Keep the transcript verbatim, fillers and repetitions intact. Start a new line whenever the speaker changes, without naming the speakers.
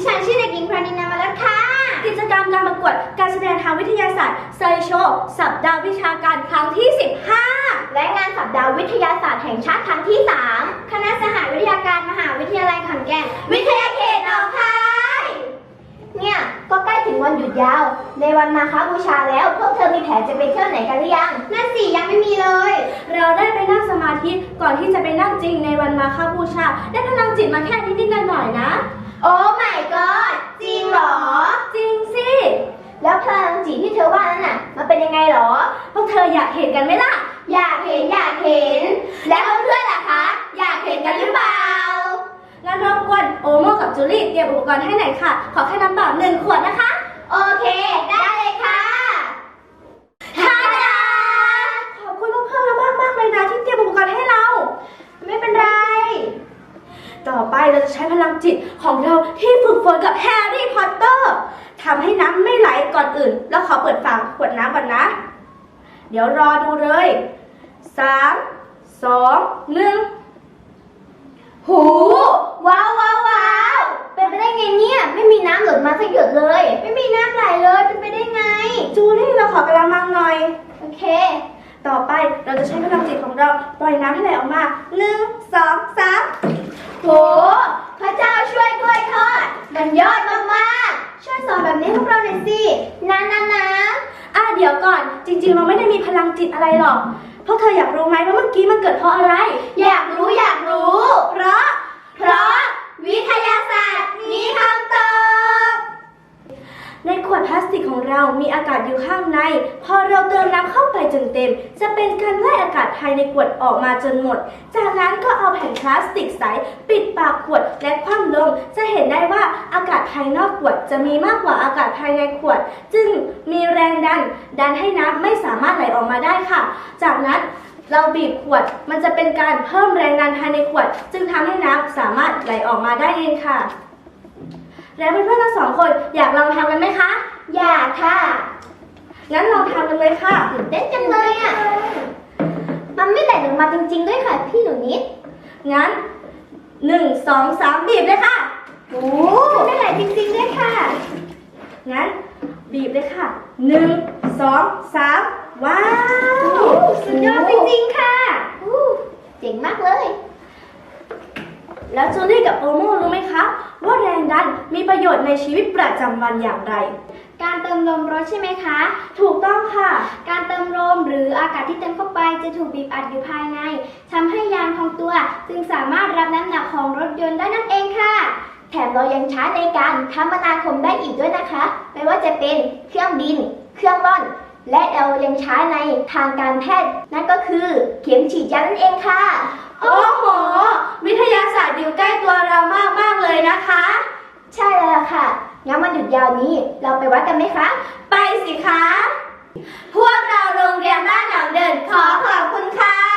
ฉันชื่อเด็กหญิงพรานินามาแล้วค่ะ
กิจกรรมการประกวดการแสดงทางวิทยาศาสตร์ไซโชว์สัปดาห์วิชาการครั้งที่สิบห้า
และงานสัปดาห์วิทยาศาสตร์แห่งชาติครั้งที่สามคณะสหวิทยาการมหาวิทยาลัยขอนแก่นวิทยาเขตหนองคายเนี่ยก็ใกล้ถึงวันหยุดยาวในวันมาฆบูชาแล้วพวกเธอมีแผนจะไปเที่ยวไหนกันหรือยังนั่นสิยังไม่มีเลย
เราได้ไปนั่งสมาธิก่อนที่จะไปนั่งจริงในวันมาฆบูชาได้พลังจิตมาแค่นิดๆหน่อยๆนะ
โอ้ my god จริงเหรอ
จริงสิ
แล้วพลังจิตที่เธอว่านั้นน่ะมันเป็นยังไงหรอ
พวกเธออยากเห็นกันไหมล่ะ
อยากเห็นอยากเห็นแล้วเพื่อนๆล่ะคะอยากเห็นกันหรือเปล่า
งั้นรบกวนโอโมกับจูลี่เตรียมอุปกรณ์ให้หน่อยค่ะขอแค่น้ำเปล่าหนึ่งขวดนะคะ
โอเคได้เลยค่ะทาดา
ขอบคุณพวกเพื่อนมากมากเลยนะที่เตรียมอุปกรณ์ให้เรา
ไม่เป็นไร
ต่อไปเราจะใช้พลังจิตของเราที่ฝึกฝนกับแฮร์รี่พอตเตอร์ทำให้น้ำไม่ไหลก่อนอื่นแล้วขอเปิดฝาขวดน้ำก่อนนะเดี๋ยวรอดูเลยสามสองหนึ่ง
หูว้าวว้าวว้าวเป็นไปได้ไงเนี่ยไม่มีน้ำหล่นมาสักหยดเลยไม่มีน้ำไหลเลยเป็นไปได้ไง
จูลี่เราขอกระมังหน่อย
โอเค
ต่อไปเราจะใช้พลังจิตของเราปล่อยน้ำให้ไหลออกมาหนึ่งสองสาม
โหพระเจ้าช่วยกล้วยทอดมันยอดมากๆช่วยสอนแบบนี้พวกเราหน่อยสินะนะนะ
อ่ะเดี๋ยวก่อนจริงๆเราไม่ได้มีพลังจิตอะไรหรอกพวกเธออยากรู้ไหมว่าเมื่อกี้มันเกิดเพราะอะไร
อยากรู้อยากรู้
เพราะ
เพราะวิทยาศาสตร์มีคำตอบ
ในขวดพลาสติกของเรามีอากาศอยู่ข้างในพอเราเติมน้ำเข้าไปจนเต็มจะเป็นการไล่อากาศภายในขวดออกมาจนหมดจากนั้นก็เอาแผ่นพลาสติกใสปิดปากขวดและคว่ำลงจะเห็นได้ว่าอากาศภายนอกขวดจะมีมากกว่าอากาศภายในขวดจึงมีแรงดันดันให้น้ำไม่สามารถไหลออกมาได้ค่ะจากนั้นเราบีบขวดมันจะเป็นการเพิ่มแรงดันภายในขวดจึงทำให้น้ำสามารถไหลออกมาได้เองค่ะแล้วเพื่อนๆทั้งสองคนอยากลองทำกันไหมคะ
อยากค่ะ
งั้นลองทำกันเลยค่ะ
ตื่นเต้นจังเลยอ่ะมันไม่ไหลออกมาจริงๆด้วยค่ะพี่หนูนิด
งั้นหนึ่งสองสามบีบเลยค่ะ
โอ้ไม่ไหลจริงๆด้วยค่ะ
งั้นบีบเลยค่ะหนึ่งสองสามว้าว
สุดยอดจริงๆค่ะเจ๋งมากเลย
แล้วจูลี่กับโอโมรู้ไหมคะว่าแรงดันมีประโยชน์ในชีวิตประจำวันอย่างไร
การเติมลมรถใช่ไหมคะ
ถูกต้องค่ะ
การเติมลมหรืออากาศที่เติมเข้าไปจะถูกบีบอัดอยู่ภายในทำให้ยางพองตัวจึงสามารถรับน้ำหนักของรถยนต์ได้นั่นเองค่ะแถมเรายังใช้ในการคมนาคมได้อีกด้วยนะคะไม่ว่าจะเป็นเครื่องบินเครื่องร่อนและเรายังใช้ในทางการแพทย์นั่นก็คือเข็มฉีดยานั่นเองค่ะ
โอ้โหวิทยาศาสตร์อยู่ใกล้ตัวเรามากมากเลยนะคะ
ใช่แล้วค่ะงั้นวันหยุดยาวนี้เราไปวัดกันไหมคะ
ไปสิคะพวกเราโรงเรียนบ้านหนองเดินขอขอบคุณค่ะ